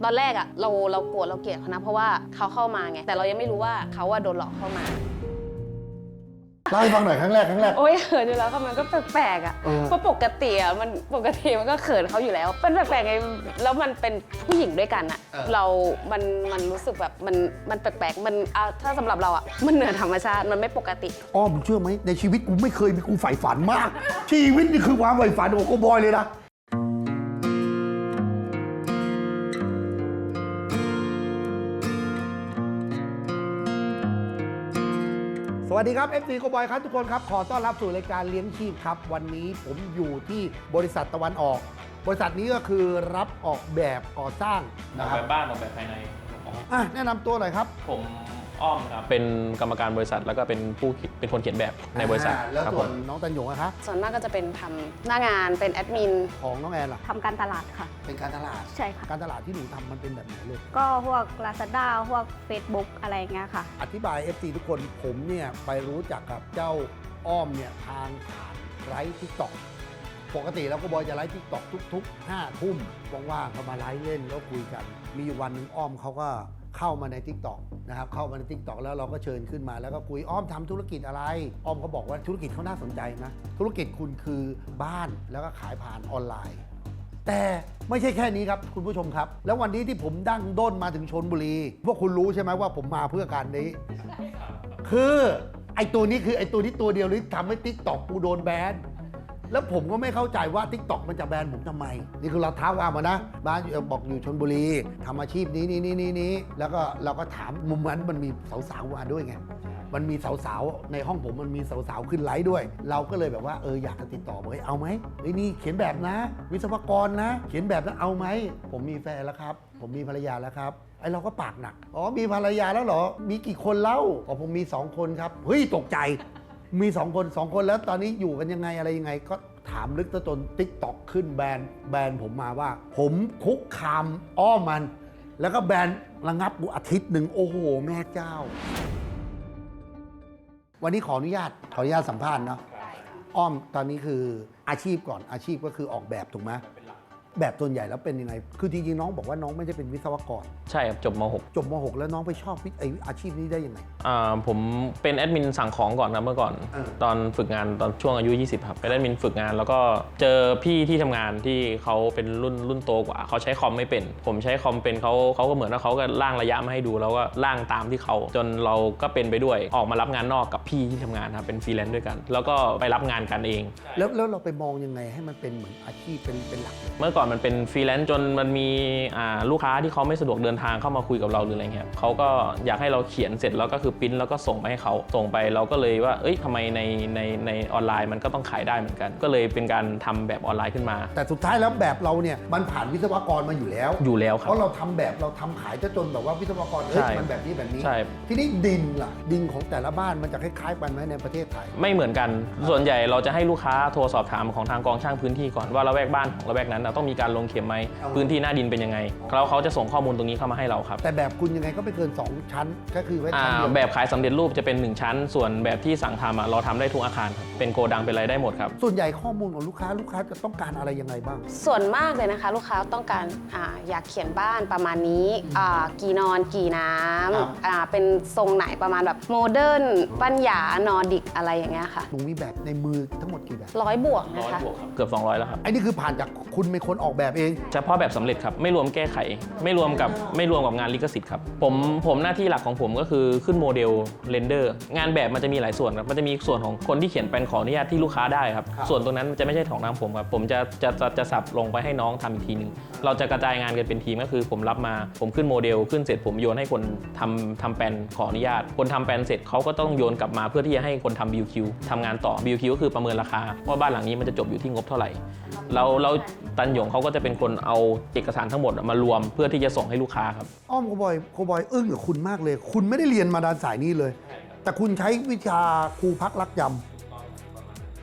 อนแรกอะเราโกรธเราเกลียดเขานะเพราะว่าเขาเข้ามาไงแต่เรายังไม่รู้ว่าเขาโดนหลอกเข้ามาเล่าให้ฟังหน่อยครั้งแรกโอ้ยเขินอยู่แล้วค่ะมันก็แปลกๆอ่ะเพราะปกติมันก็เขินเขาอยู่แล้วเป็นแปลกๆไงแล้วมันเป็นผู้หญิงด้วยกันอ่ะมันรู้สึกแบบมันแปลกๆมันถ้าสำหรับเราอ่ะมันเหนือธรรมชาติมันไม่ปกติมึงเชื่อไหมในชีวิตกูไม่เคยมีกูใฝ่ฝันมาก ชีวิตนี่คือความใฝ่ฝันของโกบอยเลยนะสวัสดีครับ FC โกบอยครับทุกคนครับขอต้อนรับสู่รายการเลี้ยงชีพครับวันนี้ผมอยู่ที่บริษัทตะวันออกบริษัทนี้ก็คือรับออกแบบก่อสร้างออกแบบบ้านออกแบบภายในแนะนำตัวหน่อยครับผมอ้อมครับเป็นกรรมการบริษัทแล้วก็เป็นคนเขียนแบบในบริษัทแล้วส่วนน้องตันหยงนะครับส่วนมากก็จะเป็นทำหน้างานเป็นแอดมินของน้องแอนล่ะทำการตลาดค่ะเป็นการตลาดใช่ค่ะการตลาดที่หนูทำมันเป็นแบบไหนเลยก็พวก Lazada พวก Facebook อะไรเงี้ยค่ะอธิบาย FC ทุกคนผมเนี่ยไปรู้จักกับเจ้าอ้อมเนี่ยทางผ่านไลฟ์ทิกต็อกปกติแล้วก็บอยจะไลฟ์ทิกต็อกทุกๆ5 ทุ่มว่างๆเขามาไลฟ์เล่นแล้วคุยกันมีอยู่วันหนึ่งอ้อมเขาก็เข้ามาใน TikTok นะครับเข้ามาใน TikTok แล้วเราก็เชิญขึ้นมาแล้วก็คุยอ้อมทำธุรกิจอะไรอ้อมเขาบอกว่าธุรกิจเขาน่าสนใจนะธุรกิจคุณคือบ้านแล้วก็ขายผ่านออนไลน์แต่ไม่ใช่แค่นี้ครับคุณผู้ชมครับแล้ววันนี้ที่ผมดั้งด้นมาถึงชลบุรีพวกคุณรู้ใช่ไหมว่าผมมาเพื่อการนี้คือไอ้ตัวนี้คือไอ้ตัวนี้ตัวเดียวที่ทำให้ TikTok กูโดนแบนแล้วผมก็ไม่เข้าใจว่า TikTok มันจะแบนผมทำไมนี่คือเราท้าว่ามานะบ้านบอกอยู่ชลบุรีทำอาชีพนี้แล้วก็เราก็ถามมุมนั้นมันมีสาวๆมาด้วยไงมันมีสาวๆในห้องผมมันมีสาวๆขึ้นไลฟ์ด้วยเราก็เลยแบบว่าอยากจะติดต่อบอกเอาไหมนี่เขียนแบบนะวิศวกรนะเขียนแบบนะเอาไหมผมมีแฟนแล้วครับผมมีภรรยาแล้วครับไอเราก็ปากหนักมีภรรยาแล้วเหรอมีกี่คนเล่าผมมี2 คนครับเฮ้ยตกใจมี2 คนแล้วตอนนี้อยู่กันยังไงอะไรยังไงก็ถามลึกจน TikTok ขึ้นแบนผมมาว่าผมคุกคามอ้อมมันแล้วก็แบนระงับกูอาทิตย์หนึ่งโอ้โหแม่เจ้าวันนี้ขออนุญาตสัมภาษณ์เนาะอ้อมตอนนี้คืออาชีพก่อนอาชีพก็คือออกแบบถูกไหมแบบส่วนใหญ่แล้วเป็นยังไงคือจริงๆน้องบอกว่าน้องไม่ได้เป็นวิศวกรใช่ครับจบม .6 แล้วน้องไปชอบอาชีพนี้ได้ยังไงผมเป็นแอดมินสั่งของก่อนนะเมื่อก่อนตอนฝึกงานตอนช่วงอายุ20ครับเป็นแอดมินฝึกงานแล้วก็เจอพี่ที่ทำงานที่เขาเป็นรุ่นโตกว่าเขาใช้คอมไม่เป็นผมใช้คอมเป็นเขาก็เหมือนว่าเขาก็ร่างระยะมาให้ดูแล้วก็ร่างตามที่เขาจนเราก็เป็นไปด้วยออกมารับงานนอกกับพี่ที่ทำงานครับเป็นฟรีแลนซ์ด้วยกันแล้วก็ไปรับงานกันเองแล้วเราไปมองยังไงให้มันเป็นเหมือนอาชีพเป็นหลักเมื่อก่อนมันเป็นฟรีแลนซ์จนมันมีลูกค้าที่เขาไม่สะดวกเดินทางเข้ามาคุยกับเราหรืออะไรเงี้ยเขาก็อยากให้เราเขียนเสร็จแล้วก็คือปริ้นแล้วก็ส่งไปให้เขาส่งไปเราก็เลยว่าทำไมในออนไลน์มันก็ต้องขายได้เหมือนกันก็เลยเป็นการทำแบบออนไลน์ขึ้นมาแต่สุดท้ายแล้วแบบเราเนี่ยมันผ่านวิศวกรมาอยู่แล้วครับเพราะเราทำแบบเราทำขายจนแบบว่าวิศวกรมันแบบนี้ทีนี้ดินล่ะดินของแต่ละบ้านมันจะคล้ายๆกันไหมในประเทศไทยไม่เหมือนกันส่วนใหญ่เราจะให้ลูกค้าโทรสอบถามของทางกองช่างพื้นที่ก่อนว่าละแวกบ้านของละแวกนั้นต้องมีการลงเข็มไหมพื้นที่หน้าดินเป็นยังไงแล้วเขาจะส่งข้อมูลตรงนี้เข้ามาให้เราครับแต่แบบคุณยังไงก็ไม่เกิน2 ชั้นก็คือไว้ชั้นเดียวแบบขายสำเร็จรูปจะเป็น1 ชั้นส่วนแบบที่สั่งทำเราทำได้ทุกอาคารครับเป็นโกดังเป็นอะไรได้หมดครับส่วนใหญ่ข้อมูลของลูกค้าจะต้องการอะไรยังไงบ้างส่วนมากเลยนะคะลูกค้าต้องการอยากเขียนบ้านประมาณนี้กี่นอนกี่น้ำเป็นทรงไหนประมาณแบบโมเดิร์นปัญญานอร์ดิกอะไรอย่างเงี้ยค่ะหนูมีแบบในมือทั้งหมดกี่แบบ 100 บวกนะคะเกือบ200แล้วครับไอ้นี่คือผ่านจากคุณเป็นคนออกแบบเองเฉพาะแบบสำเร็จครับไม่รวมแก้ไขไม่รวมกับงานลิขสิทธิ์ครับผมหน้าที่หลักของผมก็คือขึ้นโมเดลเรนเดอร์งานแบบมันจะมีหลายส่วนครับมันจะมีส่วนของคนที่เขียนเป็นขออนุญาตที่ลูกค้าได้ครับส่วนตรงนั้นจะไม่ใช่ของทางผมครับผมจะสับลงไปให้น้องทำอีกทีนึงเราจะกระจายงานกันเป็นทีมก็คือผมรับมาผมขึ้นโมเดลขึ้นเสร็จผมโยนให้คนทำแปลนขออนุญาตคนทำแปลนเสร็จเขาก็ต้องโยนกลับมาเพื่อที่จะให้คนทำ BQ ทำงานต่อ BQ ก็คือประเมินราคาว่าบ้านหลังนี้มันจะจบอยู่ที่งบเท่าไหร่เราตันหยงเขาก็จะเป็นคนเอาเอกสารทั้งหมดมารวมเพื่อที่จะส่งให้ลูกค้าครับอ้อมโคบอยอึ้งกับคุณมากเลยคุณไม่ได้เรียนมาด้านสายนี้เลยแต่คุณใช้วิชาครูพักรักจำ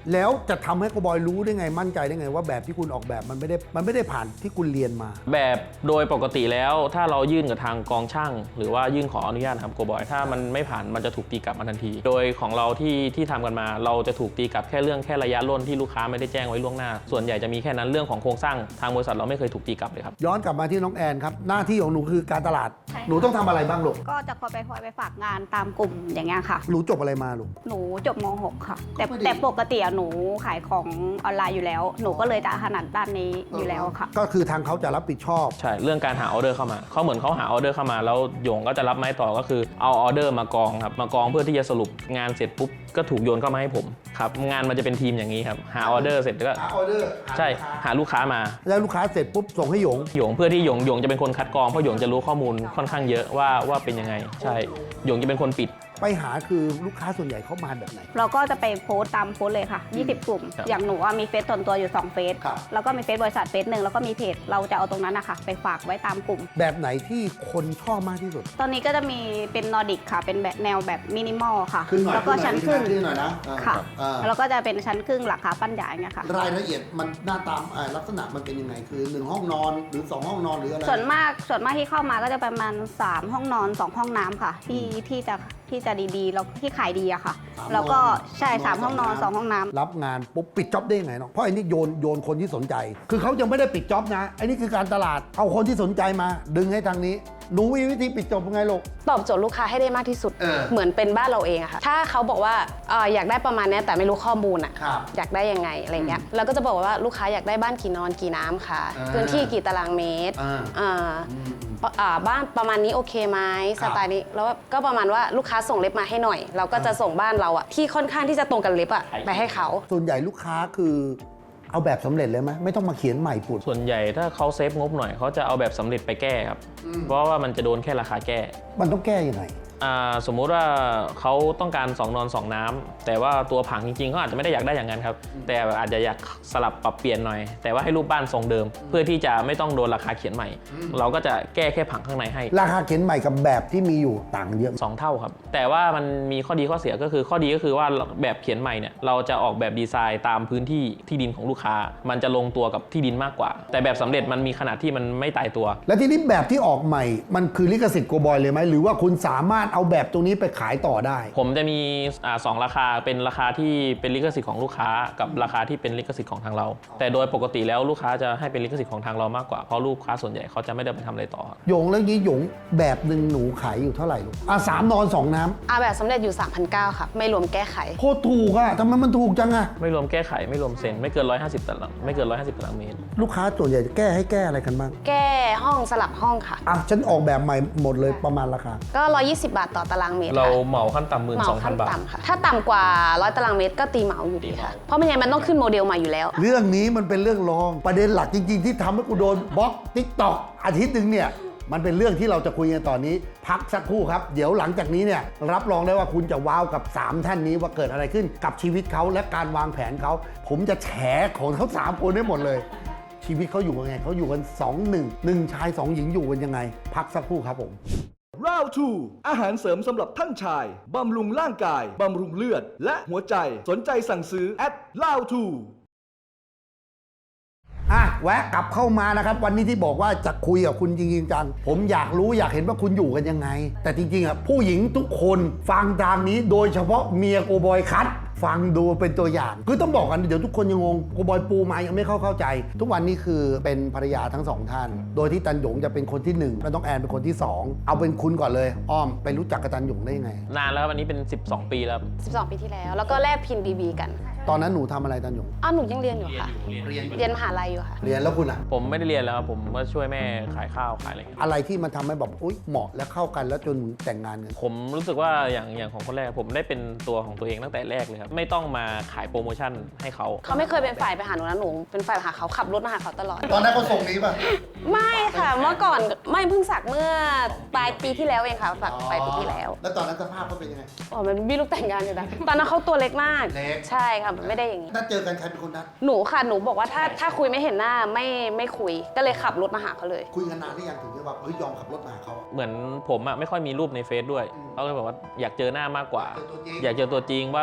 แล้วจะทำให้โกบอยรู้ได้ไงมั่นใจได้ไงว่าแบบที่คุณออกแบบมันไม่ได้ผ่านที่คุณเรียนมาแบบโดยปกติแล้วถ้าเรายื่นกับทางกองช่างหรือว่ายื่นขออนุญาตครับโกบอยถ้ามันไม่ผ่านมันจะถูกตีกลับมาทันที โดยของเราที่ทำกันมาเราจะถูกตีกลับแค่เรื่องแค่ระยะร่นที่ลูกค้าไม่ได้แจ้งไว้ล่วงหน้าส่วนใหญ่จะมีแค่นั้นเรื่องของโครงสร้างทางบริษัทเราไม่เคยถูกตีกลับเลยครับย้อนกลับมาที่น้องแอนครับหน้าที่ของหนูคือการตลาดใช่ค่ะหนูต้องทำอะไรบ้างลูกก็จะคอยไปฝากงานตามกลุ่มอย่างเงี้ยค่ะหนูจบอะไรมาลูกหนูจบม .6 ค่ะก็ไม่ได้แต่ปกติอะหนูขายของออนไลน์อยู่แล้ว หนูก็เลยจะถนัดด้านนี้อยู่แล้วค่ะก็คือทางเขาจะรับผิดชอบใช่เรื่องการหาออเดอร์เข้ามาเขาเหมือนเขาหาออเดอร์เข้ามาแล้วหยงก็จะรับไม้ต่อก็คือเอาออเดอร์มากองครับมากองเพื่อที่จะสรุปงานเสร็จปุ๊บก็ถูกโยนเข้ามาให้ผมครับงานมันจะเป็นทีมอย่างนี้ครับหาออเดอร์เสร็จก็หาออเดอร์ใช่หาลูกค้ามาแล้วลูกค้าเสร็จปุ๊บส่งให้หยงหยงเพื่อที่หยงจะเป็นคนคัดกรองเพราะหยงจะรู้ข้อมูลค่อนข้างเยอะว่าเป็นยังไงใช่หยงจะเป็นคนปิดไปหาคือลูกค้าส่วนใหญ่เขามาแบบไหนเราก็จะไปโพสต์ตามโพสต์เลยค่ะ 20 กลุ่มครับอย่างหนูว่ามีเฟซส่วนตัวอยู่2เฟซครับแล้วก็มีเฟซบริษัทเฟซหนึ่งแล้วก็มีเพจเราจะเอาตรงนั้นนะคะไปฝากไว้ตามกลุ่มแบบไหนที่คนชอบมากที่สุดตอนนี้ก็จะมีเป็นนอร์ดิกค่ะ เป็นแบบแนวแบบมินิมอลค่ะขึ้นหน่อยแล้วก็ชั้นครึ่งขึ้นหน่อยนะค่ะแล้แล้ว วก็จะเป็นชั้นครึ่งราคาปั้นใหญ่เงี้ยค่ะรายละเอียดมันหน้าตามลักษณะมันเป็นยังไงคือ1ห้องนอนหรือ2ห้องนอนหรืออะไรส่วนมากที่เข้ามาก็จะประมาณ3ห้องนอน2ห้องน้ำค่ะ ที่จะดีๆแล้วที่ขายดีอะค่ะ แล้วก็ใช่3ห้องนอน2ห้องน้ำรับงานปุ๊บปิดจ็อบได้ยังไงเนาะเพราะไอ้นี่โยนคนที่สนใจ คือเขายังไม่ได้ปิดจ็อบนะไอ้นี่คือการตลาดเอาคนที่สนใจมา ดึงให้ทางนี้หนูมีวิธีปิดจ็อบยังไงลูกตอบโจทย์ลูกค้าให้ได้มากที่สุดเออเหมือนเป็นบ้านเราเองอะค่ะ ถ้าเขาบอกว่าอยากได้ประมาณเนี้ยแต่ไม่รู้ข้อมูลอะครับอยากได้ยังไงอะไรเงี้ยเราก็จะบอกว่าลูกค้าอยากได้บ้านกี่นอนกี่น้ำค่ะ พื้นที่กี่ตารางเมตร บ้านประมาณนี้โอเคไหมสไตล์นี้แล้วก็ประมาณว่าลูกค้าส่งเล็บมาให้หน่อย เราก็จะส่งบ้านเราอะที่ค่อนข้างที่จะตรงกับเล็บอะไปให้เขาส่วนใหญ่ลูกค้าคือเอาแบบสำเร็จเลยไหมไม่ต้องมาเขียนใหม่ปุดส่วนใหญ่ถ้าเขาเซฟงบหน่อยเขาจะเอาแบบสำเร็จไปแก้ครับเพราะว่ามันจะโดนแค่ราคาแก้มันต้องแก้ยังไงสมมุติว่าเขาต้องการ2นอน2น้ำแต่ว่าตัวผังจริงๆเขาอาจจะไม่ได้อยากได้อย่างนั้นครับแต่อาจจะอยากสลับปรับเปลี่ยนหน่อย แต่ว่าให้รูปบ้านทรงเดิม เพื่อที่จะไม่ต้องโดนราคาเขียนใหม่ เราก็จะแก้แค่ผังข้างในให้ราคาเขียนใหม่กับแบบที่มีอยู่ต่างเยอะ 2 เท่าครับแต่ว่ามันมีข้อดีข้อเสียก็คือข้อดีก็คือว่าแบบเขียนใหม่เนี่ยเราจะออกแบบดีไซน์ตามพื้นที่ที่ดินของลูกค้า มันจะลงตัวกับที่ดินมากกว่า แต่แบบสำเร็จมันมีขนาดที่มันไม่ตายตัวและทีนี้แบบที่ออกใหม่มันคือลิขสิทธิ์โกบอยเลยไหมหรือว่าคุณสามารถเอาแบบตรงนี้ไปขายต่อได้ผมจะมี2ราคาเป็นราคาที่เป็นลิขสิทธิ์ของลูกค้ากับราคาที่เป็นลิขสิทธิ์ของทางเรา แต่โดยปกติแล้วลูกค้าจะให้เป็นลิขสิทธิ์ของทางเรามากกว่าเพราะลูกค้าส่วนใหญ่เขาจะไม่ได้ไปทำอะไรต่อครับหยงแล้วนี้หยงแบบหนึ่งหนูขายอยู่เท่าไหร่ลูก3 นอน 2 น้ำแบบสำเร็จอยู่ 3,900ค่ะไม่รวมแก้ไขโคตรถูกอะทำไมมันถูกจังอะไม่รวมแก้ไขไม่รวมเซ็นไม่เกิน150ตารางไม่เกิน150ตารางเมตรลูกค้าส่วนใหญ่จะแก้ให้แก้อะไรกันบ้างแก้ห้องสลับห้องค่ะฉันออกแบบใหม่หมดเลยประมาณราคาก็120 บาทต่อตารางเมตรเราค่ะเหมาขั้นต่ำเหมาขั้น 12,000 บาทต่ำค่ะถ้าต่ำกว่า100ตารางเมตรก็ตีเหมาอยู่ดีค่ะเพราะไม่งั้นมันต้องขึ้นโมเดลใหม่อยู่แล้วเรื่องนี้มันเป็นเรื่องรองประเด็นหลักจริงๆ ที่ทำให้กูโดนบล็อกติ๊กต็อกอาทิตย์หนึ่งเนี่ยมันเป็นเรื่องที่เราจะคุยกันตอนนี้ พักสักครู่ครับ เดี๋ยวหลังจากนี้เนี่ยรับรองได้ว่าคุณจะว้าวกับ 3 ท่านนี้ว่าเกิดอะไรขึ้นกับชีวิตเขาและการวางแผนเขาผมจะแฉของทั้ง3คนได้หมดเลย ชีวิตเขาอยู่ยังไงเขาอยู่กัน1 ชาย 2 หญิงอยู่กันยังไง พักสักครู่ครับผมราวทูอาหารเสริมสำหรับท่านชาย บำรุงร่างกาย บำรุงเลือด และหัวใจ สนใจสั่งซื้อแอดราวทูแวะกลับเข้ามานะครับวันนี้ที่บอกว่าจะคุยกับคุณจริงๆจังผมอยากรู้อยากเห็นว่าคุณอยู่กันยังไง แต่จริงๆผู้หญิงทุกคนฟังทางนี้โดยเฉพาะเมียโกบอยคัทฟังดูเป็นตัวอย่างคือต้องบอกกันเดี๋ยวทุกคนยังงงโกบอยปูมายังไม่เข้าใจ ทุกวันนี้คือเป็นภรรยาทั้ง2ท่านโดยที่ตันหยงจะเป็นคนที่1และน้องแอนเป็นคนที่2เอาเป็นคุณก่อนเลยอ้อมไปรู้จักกับตันหยงได้ยังไงนานแล้วครับอันนี้เป็น12 ปีแล้ว 12 ปีที่แล้ว แล้วก็แลกพินบีกันตอนนั้นหนูทำอะไรตันหยงหนูยังเรียนอยู่ค่ะ เรียนมหาลัยอยู่ค่ะเรียนแล้วคุณอะผมไม่ได้เรียนแล้วครับผมก็ช่วยแม่ขายข้าวขายอะไรเงี้ยอะไรที่มันทำให้แบบอุ๊ยเหมาะและเข้ากันแล้วจนแต่งงานกันผมรู้สึกว่าอย่างของคนแรกผมได้เป็นตัวของตัวเองตั้งแต่แรกเลยครับไม่ต้องมาขายโปรโมชั่นให้เขาเขาไม่เคยเป็นฝ่ายไปหาหนูนะหนูเป็นฝ่ายหาเขาขับรถมาหาเขาตลอดตอนนั้นเขาส่งนี้ป่ะไม่ค่ะ เมื่อก่อนไม่เพิ่งสักเมื่อปลายปีที่แล้วเองค่ะสักปลายปีที่แล้วแล้วตอนนั้นสภาพเขาเป็นยังไงมันมีลูกแต่งงานอยู่นะตอนนั้นเขาตัวเล็กมากเล็กใช่ค่ะมันไม่ได้อย่างนี้ถ้าเจอกันใครเป็นคนนัดหนูค่ะหนูบอกว่าถ้าคุยไม่เห็นหน้าไม่คุยก็เลยขับรถมาหาเขาเลยคุยกันนานหรือยังถึงจะแบบยอมขับรถมาหาเขาอะเหมือนผมไม่ค่อยมีรูปในเฟซด้วยเขาเลยบอกว่าอยากเจอหน้ามากกว่าเจอตัวจริงอยากเจอตัวจริงว่าเป็น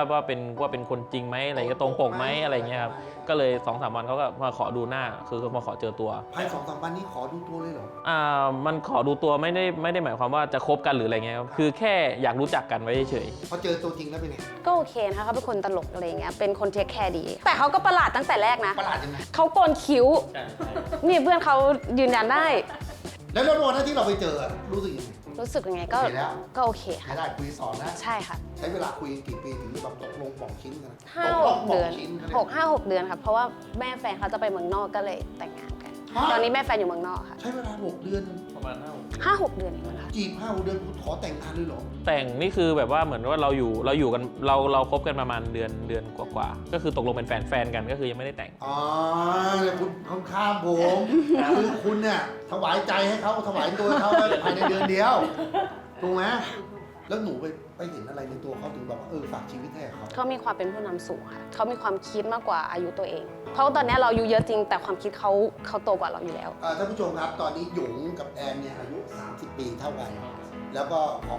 ว่าเป็นคนจริงไหมอะไรก็ตรงปกไหมอะไรเงี้ยครับก็เลย 2-3 วันเขาก็มาขอดูหน้าคือมาขอเจอตัวภาย2-3 วันนี้ขอดูตัวเลยเหรอมันขอดูตัวไม่ได้หมายความว่าจะคบกันหรืออะไรเงี้ยครับคือแค่อยากรู้จักกันไว้เฉยพอเจอตัวจริงแล้วเป็นไงก็โอเคนะคะเขาเป็นคนตลกอะไรเงี้ยเป็นคนเทคแคร์ดี แต่เขาก็ประหลาดตั้งแต่แรกนะประหลาดยังไงเขาโกนคิ้วนี่เพื่อนเขายืนยันได้แล้ววันนั้นที่เราไปเจอรู้สึกยังไงรู้สึกยังไงก็โอเคแล้วก็โอเคใช้ค่ะได้คุยสอนนะใช่ค่ะใช้เวลาคุยกี่ปีถึงแบบตกลงปองชิ้นกัน 5-6 เดือนชิ้นกัน 6-5-6 เดือนค่ะเพราะว่าแม่แฟนเขาจะไปเมืองนอกก็เลยแต่งงานกัน ตอนนี้แม่แฟนอยู่เมืองนอกค่ะใช้เวลา6 เดือนๆประมาณ5 5-6 เดือนเองมั้งคะจีบ5-6 เดือนคุณขอแต่งงานเลยเหรอแต่งนี่คือแบบว่าเหมือนว่าเราอยู่กันเราคบกันประมาณเดือนกว่าๆก็คือตกลงเป็นแฟนกันก็คือยังไม่ได้แต่งอ๋อเนี่ยคุณค่อนข้ามผมคือคุณเนี่ยถวายใจให้เขาถวายตัวให้เขาภายในเดือนเดียวถูกไหมแล้วหนูไปเห็นอะไรในตัวเขาถึงแบบว่าฝากชีวิตให้กับเขาเขามีความเป็นผู้นำสูงค่ะเขามีความคิดมากกว่าอายุตัวเอง เพราะตอนนี้เราอายุเยอะจริงแต่ความคิดเขาโตกว่าเราอยู่แล้วท่านผู้ชมครับตอนนี้หยงกับแอนเนี่ยอายุ30 ปีเท่ากัน แล้วก็ของ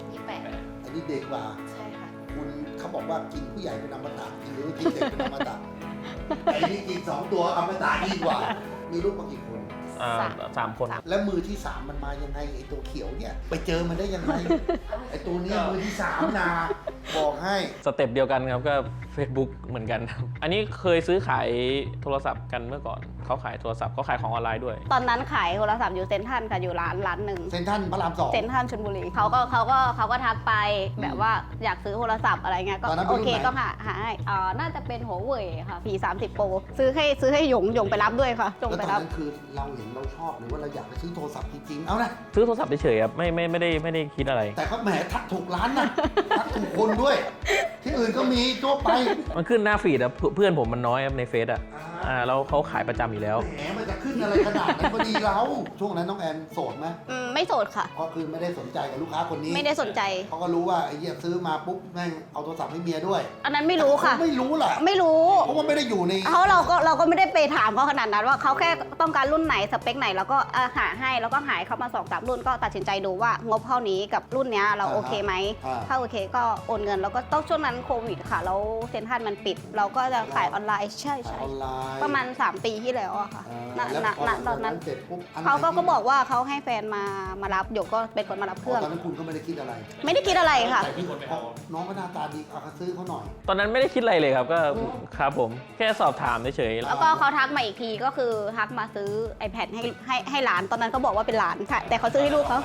28 อันนี้เด็กกว่าใช่ค่ะคุณเขาบอกว่ากินผู้ใหญ่เป็นอมตะกินหรือกินเด็กเป็นอมตะไอ้นี่กิน2 ตัวอมตะยิ่งกว่า มีลูกมากี่คน 3 คนแล้วมือที่ 3 มันมายังไงไอ้ตัวเขียวเนี่ยไปเจอมันได้ยังไง ไอ้ตัวเนี้ยมือที่3นะบอกให้สเต็ปเดียวกันครับก็ Facebook เหมือนกันครับอันนี้เคยซื้อขายโทรศัพท์กันเมื่อก่อนเขาขายโทรศัพท์เขาขายของออนไลน์ด้วยตอนนั้นขายโทรศัพท์อยู่เซ็นทรัลค่ะอยู่ร้านหนึ่งเซนทรัลพระราม 2 เซ็นทรัลชลบุรีเขาก็ทักไปแบบว่าอยากซื้อโทรศัพท์อะไรเงี้ยก็ตอนนั้นเป็นโอเครุ่นไหนก็หาให้น่าจะเป็นหัวเว่ยค่ะ P30 Pro ซื้อให้หยงไปรับด้วยค่ะหยงแล้วไปตอนรับนั้นคือเราเห็นเราชอบหรือว่าเราอยากไปซื้อโทรศัพท์จริงๆเอานะซื้อโทรศัพท์เฉยๆครับไม่ได้คิดอะไรแต่เขาแหมทักถูกร้านนะทักถูกคนด้วย ที่อื่นก็มีทั่วไปมันขึ้นหน้าฟีดอะเพื่อนผมมันน้อยครับในเฟซอะแล้วเขาขายประจำอยู่แล้วแหมมันจะขึ้นอะไรขนาดนั้นพอดีเราช่วงนั้นน้องแอนโสดไหมไม่โสดค่ะก็คือไม่ได้สนใจกับลูกค้าคนนี้ไม่ได้สนใจเขาก็รู้ว่าไอ้เหี้ยซื้อมาปุ๊บแม่งเอาโทรศัพท์ให้เมียด้วยอันนั้นไม่รู้ค่ะไม่รู้แหละไม่รู้เพราะว่าไม่ได้อยู่ในเราก็ไม่ได้ไปถามเขาขนาดนั้นว่าเขาแค่ต้องการรุ่นไหนสเปคไหนแล้วก็หาให้แล้วก็หายเขามา2-3 รุ่นก็ตัดสินใจดูว่างบเท่านี้กับรุ่นเนี้ยเราโอเคไหมถ้าโอเคก็โอนเงินแล้วก็ต้องช่วงนั้นโควิดค่ะแล้วเซ็นทรัลมันปิด เราก็จะขายออนไลน์ใช่ออนไลน์ประมาณ3 ปีที่แล้วอะค่ะณแล้วพอตอนนั้นเสร็จปุ๊บอันไหนเขาก็ที่บอกว่าเขาให้แฟนมารับหยกก็เป็นคนมารับเครื่องตอนนั้นคุณก็ไม่ได้คิดอะไรไม่ได้คิดอะไรค่ะแต่ที่น้องก็หน้าตาดีเอาก็ซื้อเขาหน่อยตอนนั้นไม่ได้คิดอะไรเลยครับก็ครับผมแค่สอบถามเฉยๆแล้วก็เขาทักมาอีกทีก็คือทักมาซื้อ iPad ให้หลานตอนนั้นก็บอกว่าเป็นหลานค่ะ แต่เขาซื้อให้ลูกเขา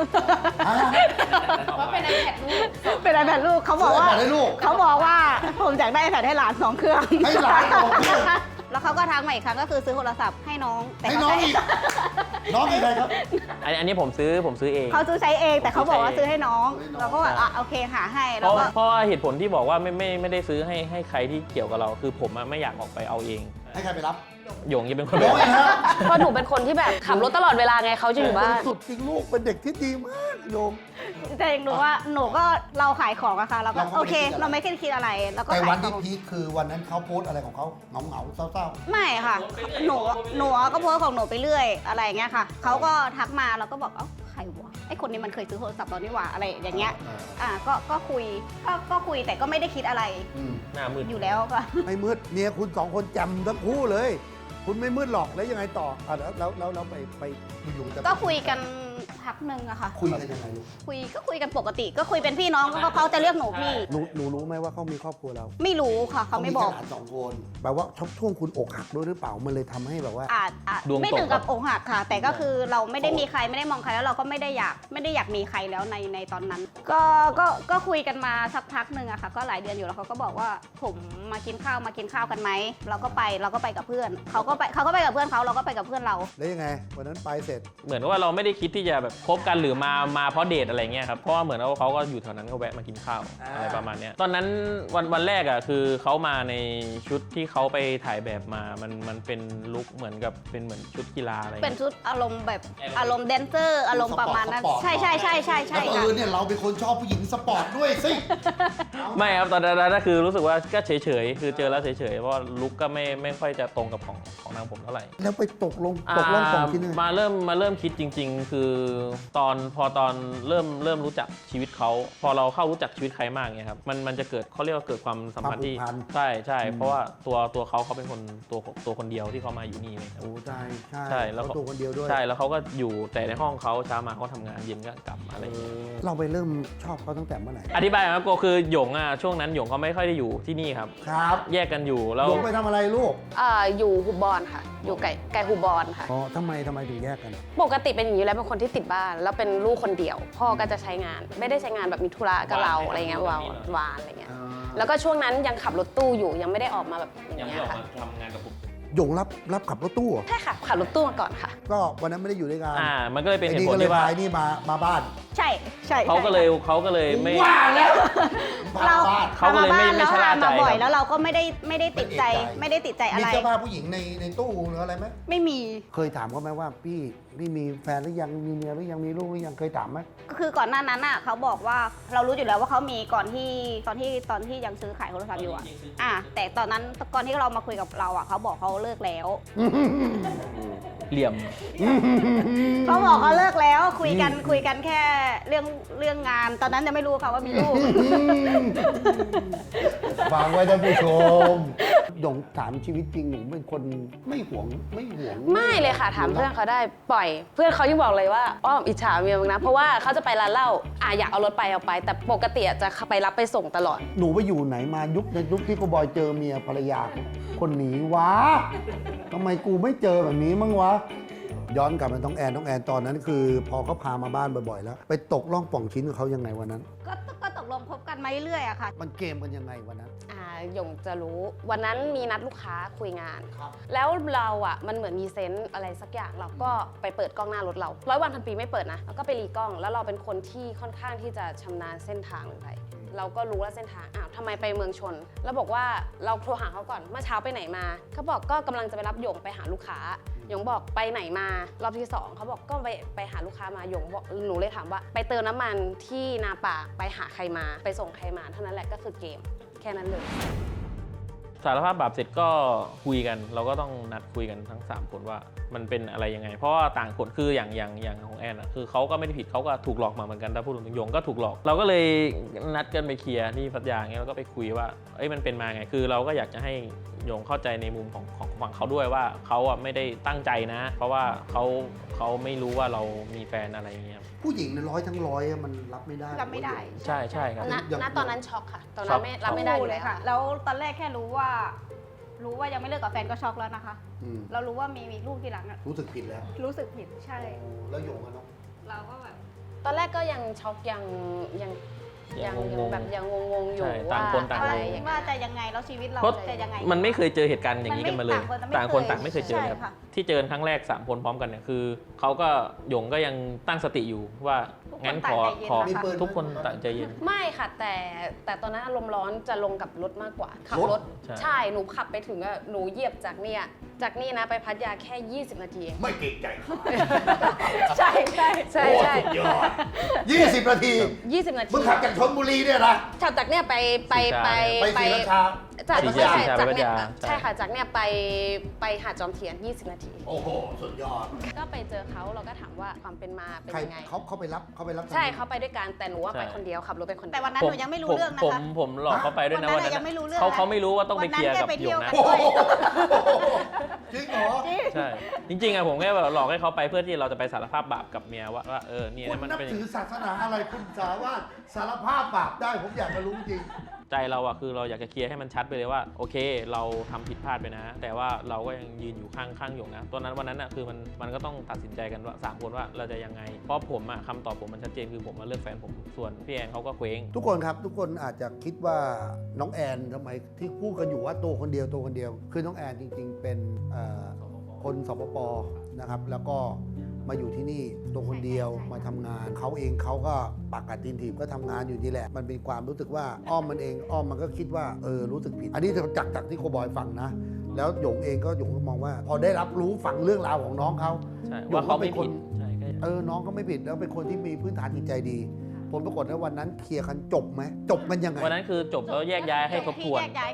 ว่าเป็น iPad ลูกเป็น iPad ลูกเขาบอกว่าซื้อ iPad ให้ลูกเขาบอกว่าผมอยากได้ iPad ให้หลาน2 เครื่องให้หลาน2 เครื่องแล้วเขาก็ทักมาอีกครั้งก็คือซื้อโทรศัพท์ให้น้องแต่ให้เขาน้องใช้อีก น้องอีกใครครับอันนี้ผมซื้อเองเขาซื้อใช้เองแต่เขาบอกว่าซื้อให้น้องซื้อให้น้องเราก็แบบโอเคหาให้เพแล้วราะก็เพราะว่าเหตุผลที่บอกว่าไม่ได้ซื้อให้ใครที่เกี่ยวกับเรา คือผมไม่อยากออกไปเอาเองให้ใครไปรับหยงจะเป็นคนน้องอีกฮะเพราะหนูเป็นคนที่แบบขับรถตลอดเวลาไงเขาจะอยู่บ้านสุดจริงลูกเป็นเด็กที่ดีมากโยมแต่เองรู้ว่าหนูก็เราขายของอะค่ะเราก็เราก็โอเคไม่ได้คิดอะไรเราไม่คิดอะไรแล้วก็แต่ขาวัยนขที่องพีคคือวันนั้นเขาโพสต์อะไรของเขาเหงาๆเศร้าไม่ค่ะหนูก็โพสต์ของหนูไปเรื่อยอะไรอย่างเงี้ยค่ะเขาก็ทักมาเราก็บอกใครวะไอคนนี้มันเคยซื้อโทรศัพท์เรานี่หว่าอะไรอย่างเงี้ยก็คุยแต่ก็ไม่ได้คิดอะไรหน้ามืดอยู่แล้วค่ะไม่มืดเมียคุณ2 คนจำทั้งคู่เลย คุณไม่มืดหรอกแล้วยังไงต่อแล้วไปอยู่ๆจะก็คุยกันพักหนึ่งอะค่ะคุยกันยังไงลูกคุยกันปกติ ก็คุยเป็นพี่น้องก็เขาจะเรียกหนูพี่หนูรู้ไหมว่าเขามีครอบครัวเราไม่รู้ค่ะเขาไม่บอกแค่หลาน2 คนแปลว่าช่วงคุณอกหักด้วยหรือเปล่ามันเลยทำให้แบบว่าอาจดวงตกไม่ถึงกับอกหักค่ะ แต่ก็คือเราไม่ได้มีใครไม่ได้มองใครแล้วเราก็ไม่ได้อยากมีใครแล้วในตอนนั้น ก็คุยกันมาสักพักหนึ่งอะค่ะ ก็หลายเดือนอยู่แล้วเขาก็บอกว่าผมมากินข้าวกันไหมเราก็ไปกับเพื่อนเขาก็ไปกับเพื่อนเขาเราก็ไปกับเพื่อนเราแล้วยังไงวันนั้นไปเสร็จเหมือนว่าเราไม่ได้คิดที่จะแบบคบกันหรือมาเพราะเดทอะไรเงี้ยครับ เพราะว่าเหมือนว่าเขาก็อยู่แถวนั้นก็แวะมากินข้าวอะไรประมาณเนี้ยตอนนั้นวันแรกอ่ะคือเขามาในชุดที่เขาไปถ่ายแบบมามันเป็นลุคเหมือนกับเป็นเหมือนชุดกีฬาอะไรเป็นเงี้ยชุดอารมณ์แบบอารมณ์แดนเซอร์อารมณ์ประมาณนั้นสปอร์ตใช่แล้วค่ะเนี่ยเราเป็นคนชอบผู้หญิงสปอร์ตด้วยสิไม่ครับตอนนั้นก็คือรู้สึกว่าก็เฉยๆคือเจอแล้วเฉยๆเพราะว่าลุคก็ไม่ค่อยจะตรงกับของนางผมเท่าไหร่แล้วไปตกลงปองที่นึงมาเริ่มคิดจริง ๆ คือพอตอนเริ่มรู้จักชีวิตเขาพอเราเข้ารู้จักชีวิตใครมากเงี้ยครับมันจะเกิดเขาเรียกว่าเกิดความสัมพันธ์ที่ความผูกพันใช่เพราะว่าตัวเขาเป็นคนตัวคนเดียวที่เขามาอยู่นี่เลยครับโอ้ใช่ใช่แล้วเขาตัวคนเดียวด้วยใช่แล้วเขาก็อยู่แต่ในห้องเขาเช้ามาเขาทำงานเย็นก็กลับอะไรอย่างเงี้ยเราไปเริ่มชอบเขาตั้งแต่เมื่อไหร่อธิบายครับก็คือหยงช่วงนั้นหยงเขาไม่ค่อยได้อยู่ที่นี่ครับครับแยกกันอยู่แล้วลงไปทำอะไรลูกอยู่หุบบอนค่ะ อยู่ไกลหุบบอนค่ะอ๋อทำไมถึงแยกกันปกติเป็นอย่างนี้แล้วเป็นคนที่ติดบ้านแล้วเป็นลูกคนเดียว พ่อก็จะใช้งาน ไม่ได้ใช้งานแบบมีธุระกับเราอะไรเงี้ยวานอะไรเงี้ยแล้วก็ช่วงนั้นยังขับรถตู้อยู่ยังไม่ได้ออกมาแบบอย่างยังเงี้ไม่ยออกค่ะมาทำงานกับผมหยงรับขับรถตู้เหรอใช่ค่ะขับรถตู้มาก่อนค่ะก็วันนั้นไม่ได้อยู่ด้วยกันมันก็เลยเป็นเหไอ้ตุนี่ผลก็เลยที่ว่าพาไอ้นี่มาบ้านใช่ใช่เขาก็เลยไม่ว่าแล้วพาเรามาบ้านเขาก็เลยไม่ชะล่าใจมาบ่อยครับแล้วเราก็ไม่ได้ติดใจไม่ได้ติดใจอะมีไรเสื้อผ้าผู้หญิงในตู้หรืออะไรไหมไม่มีเคยถามเขาไหมว่าพี่มีแฟนหรือยังมีเมียหรือยังมีลูกหรือยังเคยถามไหมก็คือก่อนหน้านั้นเขาบอกว่าเรารู้อยู่แล้วว่าเขามีก่อนที่ตอนที่ยังซื้อขายโทรศัพท์อยู่แต่ตอนนั้นก่อนที่เรามาคุยกับเราเขาบอกเขาเลิกแล้วเหลี่ยมเขาบอกเขาเลิกแล้วคุยกันแค่เรื่องงาน ตอนนั้นยังไม่รู้ค่ะว่ามีลูกฟังไว้ท่านผู้ชมหยงถามชีวิตจริงหนูเป็นคนไม่หวงไม่เลยค่ะถามเพื่อนเขาได้ปล่อย เพื่อนเขายังบอกเลยว่าอ้อมอิจฉาเมียมึงนะเพราะว่าเขาจะไปร้านเหล้าอยากเอารถไปเอาไป แต่ปกติจะไปรับไปส่งตลอดหนูไปอยู่ไหนมายุคที่กูบอยเจอเมียภรรยาคนหนีวะทำไมกูไม่เจอแบบนี้มั้งวะย้อนกลับมาต้องแอนตอนนั้นคือ พอเขาพามาบ้านบ่อยๆแล้ว ไปตกล่องป่องชิ้นกับเขายังไงวันนั้นก็ตกลงคบกันมาเรื่อยๆอะค่ะมันเกมกันยังไงวันนั้นหยงจะรู้วันนั้นมีนัดลูกค้าคุยงานครับแล้วเรามันเหมือนมีเซนส์อะไรสักอย่างเราก็ไปเปิดกล้องหน้ารถเรา100 วันพันปีไม่เปิดนะแล้วก็ไปรีกล้อง แล้วเราเป็นคนที่ค่อนข้างที่จะชำนาญเส้นทางลงไปเราก็รู้ว่าเส้นทางทำไมไปเมืองชน แล้วบอกว่าเราโทรหาเขาก่อนเมื่อเช้าไปไหนมาเขาบอกก็กำลังจะไปรับหยงไปหาลูกค้าหยงบอกไปไหนมารอบที่2เขาบอกก็ไปหาลูกค้ามาหยงบอกหนูเลยถามว่าไปเติมน้ำมันที่นาป่าไปหาใครมาไปส่งใครมาเท่านั้นแหละก็คือเกมแค่นั้นเลยสารภาพบาปเสร็จก็คุยกัน เราก็ต้องนัดคุยกันทั้ง3คนว่ามันเป็นอะไรยังไงเพราะว่าต่างคนคืออย่างของแอนคือเขาก็ไม่ได้ผิดเขาก็ถูกหลอกมาเหมือนกันถ้าพูดถึงหยงก็ถูกหลอก เราก็เลยนัดกันไปเคลียร์ที่พัทยาเงี้ยแล้วก็ไปคุยว่ามันเป็นมาไงคือเราก็อยากจะให้หยงเข้าใจในมุมของฝั่งเขาด้วยว่าเขาไม่ได้ตั้งใจนะ เพราะว่าเขาไม่รู้ว่าเรามีแฟนอะไรอย่างเงี้ยผู้หญิงใน100 มันรับไม่ได้รับไม่ได้ใช่ครับณตอนนั้นช็อกค่ะ ตอนนั้นไม่รับไม่ได้อยู่เลยค่ะแล้วตอนแรกแค่รู้ว่ายังไม่เลิกกับแฟนก็ช็อกแล้วนะคะอืมเรารู้ว่ามีลูกทีหลังอะรู้สึกผิดแล้วรู้สึกผิดใช่แล้วหยงอะเนาะเราก็แบบตอนแรกก็ยังช็อกยังแบบยังงงๆอยู่ใช่ว่าต่างคนต่างอะไรงงอย่างว่าเงี้ยจะยังไงแล้วชีวิตเราเพราะจะยังไงมันไม่เคยเจอเหตุการณ์อย่างนี้กันมาเลยต่างคนต่างไม่เคยเจอเลยครับใช่ค่ะที่เจอครั้งแรก3คนพร้อมกันเนี่ยคือเขาก็หยงก็ยังตั้งสติอยู่ว่างั้นขอทุกคนต่างใจเย็นไม่ค่ะแต่ตอนนั้นอารมณ์ร้อนจะลงกับรถมากกว่าขับรถใช่ใช่หนูขับไปถึงหนูเหยียบจากนี่นะไปพัทยาแค่ 20 นาทีเองไม่เก่งใจใช่ใช่ใช่ใช่ยอด20 นาที 20 นาทีมึงขับจากชลบุรีเนี่ยนะขับจากเนี่ยไปไปศรีราชาจากศรีไม่ราใช่ชาจากไปพัทเนี่ยยาใช่ค่ะจากเนี่ยไปหาดจอมเทียน 20 นาทีโอ้โห สุดยอดก็ไปเจอเขาเราก็ถามว่าความเป็นมาเป็นใครยังไงเขาไปรับใช่เขาไปด้วยกันแต่หนูว่าใช่ไปคนเดียวขับรถไปคนเดียวแต่วันนั้นหนูยังไม่รู้เรื่องนะคะผมหลอกเขาไปด้วยนะวัวัน นนั้นั้น นยังไม่รู้เรื่องเขาไม่รู้ว่าต้องไปเคลียร์กับวันนั้นแค่ไปเที่หยยวงกันะนโอ้โหจริงเหรอใช่จริงๆอะผมแค่แบบหลอกให้เขาไปเพื่อที่เราจะไปสารภาพบาปกับเมียว่าเนี่ยคุณมันนับเป็นถือศาสนาอะไรคุณสามารถสารภาพบาปได้ผมอยากจะรู้จริงใจเราอะคือเราอยากจะเคลียร์ให้มันชัดไปเลยว่าโอเคเราทำผิดพลาดไปนะ แต่ว่าเราก็ยังยืนอยู่ข้างหยงนะวันนั้นอะคือมันก็ต้องตัดสินใจกันว่า3คนว่าเราจะยังไงเพราะผมอะคำตอบผมมันชัดเจนคือผมมาเลือกแฟนผมส่วนพี่แอนเขาก็เคว้งทุกคนครับทุกคนอาจจะคิดว่าน้องแอนทำไมที่พูดกันอยู่ว่าตัวคนเดียวคือน้องแอนจริงๆ เป็นคนสปปนะครับแล้วก็มาอยู่ที่นี่ตัวคนเดียวมาทำงานเขาเองเขาก็ปากกัดตีนถีบก็ทำงานอยู่นี่แหละมันเป็นความรู้สึกว่าอ้อมมันก็คิดว่ารู้สึกผิด อันนี้จากที่โคบอยฟังนะแล้วหยงเองก็มองว่า พอได้รับรู้ฟังเรื่องราวของน้องเขาใช่หยว่าง เขาไม่เป็นคนผิดใช่ก็น้องก็ไม่ผิดแล้วเป็นคนที่มีพื้นฐานจิตใจดีผลปรากฏว่าวันนั้นเคลียร์กันจบไหมจบกันยังไงวันนั้นคือจบแล้วแยกย้ายให้ทบทวนแยกย้ายกัน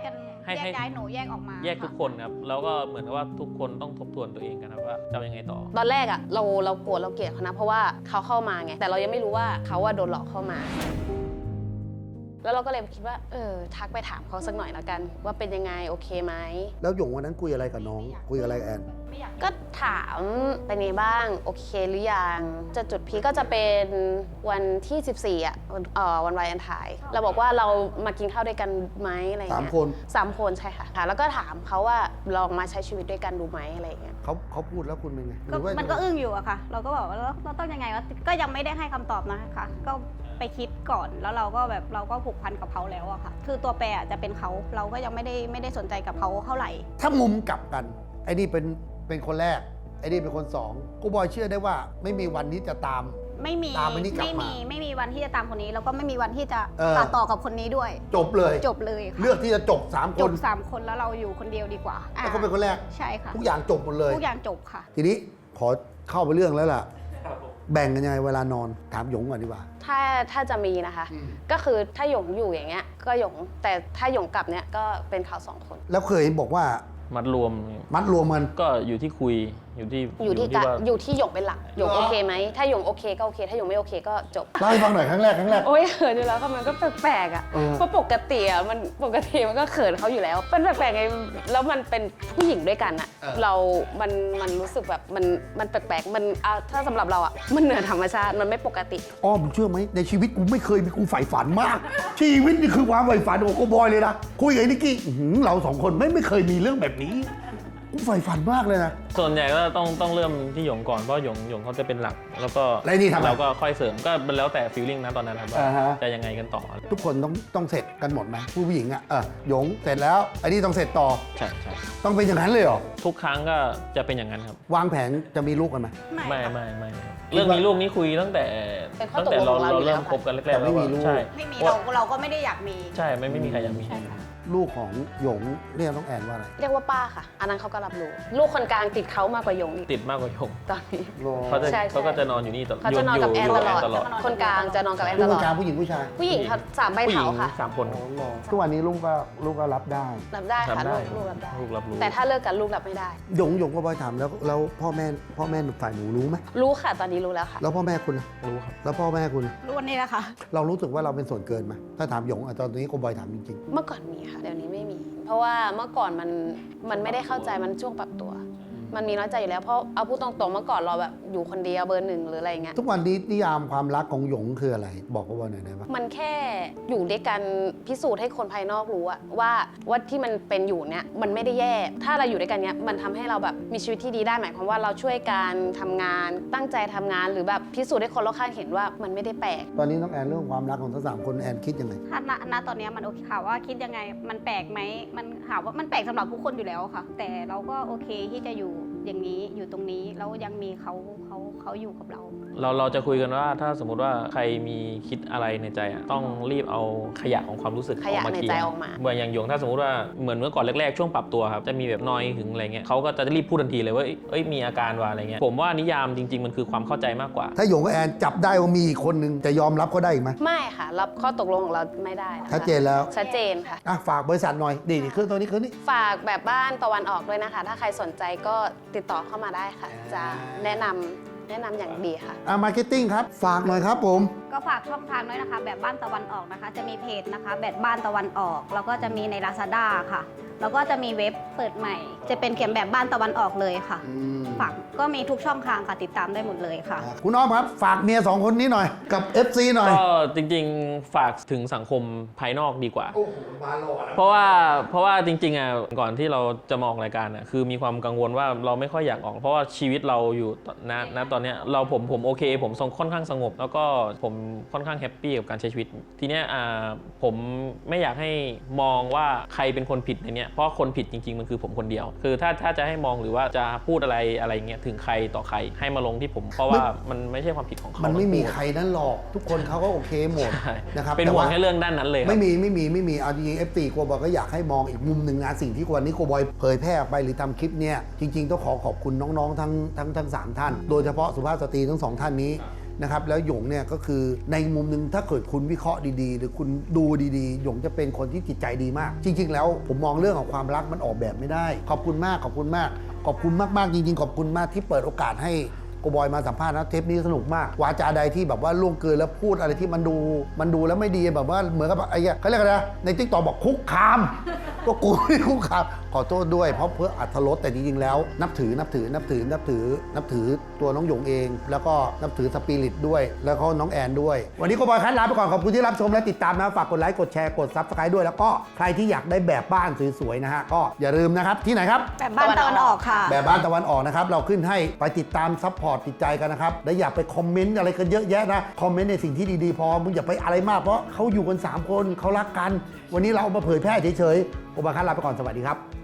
ให้แยกย้ายหนูแยกออกมาแยกทุกคนครับแล้วก็เหมือนกับว่าทุกคนต้องทบทวนตัวเองกันครับว่าจะเอายังไงต่อตอนแรกอะเราโกรธเราเกลียดเขานะเพราะว่าเขาเข้ามาไงแต่เรายังไม่รู้ว่าเขาว่าโดนหลอกเข้ามา แล้วเราก็เลยคิดว่าทักไปถามเขาสักหน่อยละกัน ว่าเป็นยังไงโอเคไหมแล้วหยงวันนั้นคุยอะไรกับน้อง คุยอะไรกับแอนก็ถามเป็นไงบ้างโอเคหรือยังจะจุดพีคก็จะเป็นวันที่14อ่ะวันวาเลนไทน์เราบอกว่าเรามากินข้าวด้วยกันไหมอะไรเงี้ย 3 คน 3 คนใช่ค่ะแล้วก็ถามเขาว่าลองมาใช้ชีวิตด้วยกันดูไหมอะไรเงี้ยเขาพูดแล้วคุณเป็นไงหก็รือว่ามันก็อึ้งอยู่อะค่ะ เราก็บอกว่าเราต้องยังไงวะก็ยังไม่ได้ให้คำตอบนะคะก็ไปคิดก่อนแล้วเราก็ผูกพันกับเขาแล้วอะค่ะ คือตัวแปรอะจะเป็นเขาเราก็ยังไม่ได้สนใจกับเขาเท่าไหร่ถ้ามุมกลับกันไอ้นี่เป็นคนแรกไอ้นี่เป็นคนสองกูบอยเชื่อได้ว่าไม่มีวันที่จะตามไม่มีตามอันนี้กลับมาไม่มีวันที่จะตามคนนี้แล้วก็ไม่มีวันที่จะเต่อกับคนนี้ด้วยจบเลยจบเลยค่ะเลือกที่จะจบ3 คจนบ3 คนแล้วเราอยู่คนเดียวดีกว่าแล้วก็เป็นคนแรกใช่ค่ะทุกอย่างจบหมดเลยทุกอย่างจบค่ะทีนี้ขอเข้าไปเรื่องแล้วล่ะ แบ่งกันยังไงเวลานอนถามหยงก่อนดีกว่าถ้าจะมีนะคะ ก็คือถ้าหยงอยู่อย่างเงี้ยก็หยงแต่ถ้าหยงกลับเนี้ยก็เป็นเขา2 คนแล้วเคยบอกว่ามัดรวมมัดรวมกันก็อยู่ที่คุยอยู่ที่อยู่ที่ว่าอยู่ที่หยงเป็นหลักหยงโอเคไหมถ้าหยงโอเคก็โอเค ถ้าหยงไม่โอเคก็จบเล่าให้ฟังหน่อยครั้งแรกโอ้ยเขินอยู่แล้วค่ะมันก็แปลกๆอ่ะเออเพราะปกติอ่ะมันก็เขินเขาอยู่แล้วเป็นแปลกๆไงแล้วมันเป็นผู้หญิงด้วยกันอ่ะมันรู้สึกแบบมันแปลกๆมันถ้าสำหรับเราอ่ะมันเหนือธรรมชาติมันไม่ปกติอ้อมเชื่อไหมในชีวิตกูไม่เคยมีกูใฝ่ฝันมาก ชีวิตนี่คือความใฝ่ฝันของกูบอยเลยนะคุยกับไอ้นิกกี้เรา2 คนไม่เคยมีเรื่องแบบนี้กูใฝ่ฝันมากเลยนะส่วนใหญ่ก็ต้องเริ่มที่หยงก่อนเพราะหยงเขาจะเป็นหลัก แล้วก็แล้วไอ้นี่ทำไงเราก็ค่อยเสริมก็มันแล้วแต่ฟีลลิ่งนะตอนนั้นครับว่าอ่าฮะจะยังไงกันต่อทุกคนต้องเสร็จกันหมดไหมผู้หญิงอ่ะหยงเสร็จแล้วไอ้นี่ต้องเสร็จต่อใช่ใช่ต้องเป็นอย่างนั้นเลยเหรอทุกครั้งก็จะเป็นอย่างนั้นครับวางแผนจะมีลูกกันไหมไม่ครับเรื่องมีลูกนี่คุยตั้งแต่เป็นข้อตั้งแต่ตกลงของเราอยู่เราเริ่มแล้วคบกันแรกๆแต่ไม่แล้วมีลูกใช่ไม่มีเพราะเราก็ไม่ได้อยากมีใช่ไม่มีใครอยากมีลูกของหยงเรียกน้องแอนว่าอะไรเรียกว่าป้าค่ะ อันนั้นเขาก็รับรู้ลูกคนกลางติดเขามากกว่าหยงอีกติดมากกว่าหยงตอนนี้ ใช่เขาก็จะนอนอยู่นี่ตลอดเขาจะนอนกับแอนยู่ตลอด คนกลางจะนอนกับแอนลูตกลคอน ดกลางผู้หญิงผู้ชายผู้หญิงเขา3 ใบผู้หญิเถาง ค่ะ 3 คนทุกวันนี้ลูกก็รับได้รับได้ค่ะทำได้ลูกรับได้ลูกรับรู้แต่ถ้าเลิกกันลูกรับไม่ได้หยงก็บอยถามแล้วพ่อแม่ฝ่ายหนูรู้ไหมรู้ค่ะตอนนี้รู้แล้วค่ะแล้วพ่อแม่คุณล่ะรู้ครับแล้วพ่อแม่คุณล่ะรุ่นนี้นะคะเรารู้สึกว่าเราเป็นส่วนเกินไหมถ้าถามหยงตอนนี้ก็บอยถามจริงเมื่อก่อนมีค่ะเดี๋ยวนี้ไม่มี เพราะว่าเมื่อก่อนมันไม่ได้เข้าใจมันช่วงปรับตัว มันมีน้อยใจอยู่แล้วเพราะเอาพูดตรงๆเมื่อก่อนเราแบบอยู่คนเดียวเบอร์ 1หรืออะไรเงี้ยๆ ทุกวันนี้นิยามความรักของหยงคืออะไร บอกก็บอยหน่อยได้ปะมันแค่อยู่ด้วยกันพิสูจน์ให้คนภายนอกรู้อะว่าที่มันเป็นอยู่เนี้ยมันไม่ได้แย่ ถ้าเราอยู่ด้วยกันเนี้ยมันทำให้เราแบบมีชีวิตที่ดีได้หมายความว่าเราช่วยกันทำงานตั้งใจทำงานหรือแบบพิสูจน์ให้คนรอบข้างเห็นว่ามันไม่ได้แปลกตอนนี้น้องแอนเรื่องความรักของทั้ง3 คนแอนคิดยังไงถ้าณตอนนี้มันโอเคค่ะว่าคิดยังไงมันแปลกไหมมันถามว่ามันแปลกสำหรับทุกคนอยู่แล้วค่ะ แต่เราก็โอเคที่จะอยู่อย่างนี้อยู่ตรงนี้แล้วยังมีเขาอยู่กับเราเราจะคุยกันว่าถ้าสมมุติว่าใครมีคิดอะไรในใจอะต้องรีบเอาขยะของความรู้สึกขยะออกมาในเคลียใจร์ออกมาเหมือนอย่างหยงถ้าสมมติว่าเหมือนเมื่อก่อนแรกๆช่วงปรับตัวครับจะมีแบบนอยหึงอะไรเงี้ยเขาก็จะรีบพูดทันทีเลยว่าเอ้ยมีอาการว่าอะไรเงี้ยผมว่านิยามจริง ๆ มันคือความเข้าใจมากกว่าถ้าหยงกับแอนจับได้ว่ามีอีกคนนึงจะยอมรับเขาได้อีกไหมไม่ค่ะรับข้อตกลงของเราไม่ได้นะคะชัดเจนแล้วชัดเจนค่ะฝากบริษัทหน่อยดีเครื่องตัวนี้ฝากแบบบ้านตะวันออกด้วยนะคะ ถ้าใครสนใจก็ติดต่อเข้ามาได้ค่ะ จะแนะนำอย่างดีค่ะมาร์เก็ตติ้งครับ ฝากหน่อยครับผมก็ฝากช่องทางด้วยนะคะ แบบบ้านตะวันออกนะคะ จะมีเพจนะคะ แบบบ้านตะวันออก แล้วก็จะมีใน Lazada ค่ะ แล้วก็จะมีเว็บเปิดใหม่ จะเป็นเขียนแบบบ้านตะวันออกเลยค่ะฝากก็มีทุกช่องทางค่ะติดตามได้หมดเลยค่ะคุณอ้อมครับ ฝากเมีย2 คนนี้หน่อย กับ FC หน่อยก็จริงๆฝากถึงสังคมภายนอกดีกว่าโอ้โหมาหล่อเพราะว่าจริงๆอ่ะก่อนที่เราจะมาออกรายการอ่ะคือมีความกังวลว่าเราไม่ค่อยอยากออก เพราะว่าชีวิตเราอยู่ณตอนเนี้ยผมโอเคผมค่อนข้างสงบ แล้วก็ผมค่อนข้างแฮปปี้กับการใช้ชีวิต ทีเนี้ยผมไม่อยากให้มองว่าใครเป็นคนผิดในเนี้ยเพราะคนผิดจริงๆมันคือผมคนเดียว คือถ้าจะให้มองหรือว่าจะพูดอะไรเงี้ยถึงใครต่อใครให้มาลงที่ผม เพราะว่ามันไม่ใช่ความผิดของเขามันไม่มีทั้งคู่ใครนั้นหรอก ทุกคนเขาก็โอเคหมดใช่นะครับเป็นห่วงแค่เรื่องด้านนั้นเลยครับไม่มีเอาจริงๆ FC โกบอยก็อยากให้มองอีกมุมหนึ่งนะสิ่งที่วันนี้โกบอยเผยแพร่ออกไปหรือทำคลิปเนี่ยจริงๆต้องขอบคุณน้องๆทั้ง3 ท่าน โดยเฉพาะสุภาพสตรีทั้ง 2 ท่านนี้นะครับแล้วหยงเนี่ยก็คือในมุมหนึ่งถ้าเกิดคุณวิเคราะห์ดีๆหรือคุณดูดีๆหยงจะเป็นคนที่จิตใจดีมากจริงๆแล้วผมมองเรื่องของความรักมันออกแบบไม่ได้ขอบคุณมากขอบคุณมากขอบคุณมากๆจริงๆขอบคุณมากที่เปิดโอกาสให้โกบอยมาสัมภาษณ์นะเทปนี้สนุกมากวาจาใดที่แบบว่าล่วงเกินแล้วพูดอะไรที่มันดูแล้วไม่ดีแบบว่าเหมือนกับไอ้เขาเรียกอะไรนะในติ๊กต็อกบอกคุกคามก็กูไม่คุกคามขอโทษด้วยเพราะเพื่ออรรถรสแต่จริงๆแล้วนับถือตัวน้องหยงเองแล้วก็นับถือสปิริตด้วยแล้วก็น้องแอนด้วยวันนี้โกบอยคัดลาไปก่อนขอบคุณที่รับชมและติดตามนะฝากกดไลค์กดแชร์กด Subscribe ด้วยแล้วก็ใครที่อยากได้แบบบ้านสวยๆนะฮะก็อย่าลืมนะครับที่ไหนครับแบบบ้านตะวันออกค่ะแบบบ้านตะวันออกนะครับเราขึ้นให้ไปติดตามซัพพอร์ตติดใจกันนะครับและอย่าไปคอมเมนต์อะไรกันเยอะแยะนะคอมเมนต์ในสิ่งที่ดีๆพอมึงอย่าไปอะไรมากเพราะเขาอยู่กัน3คนเขารักกันวันนี้เราเอามาเผยแพร่เฉยๆโอบาคัสลาไปก่อนสวัสดีครับ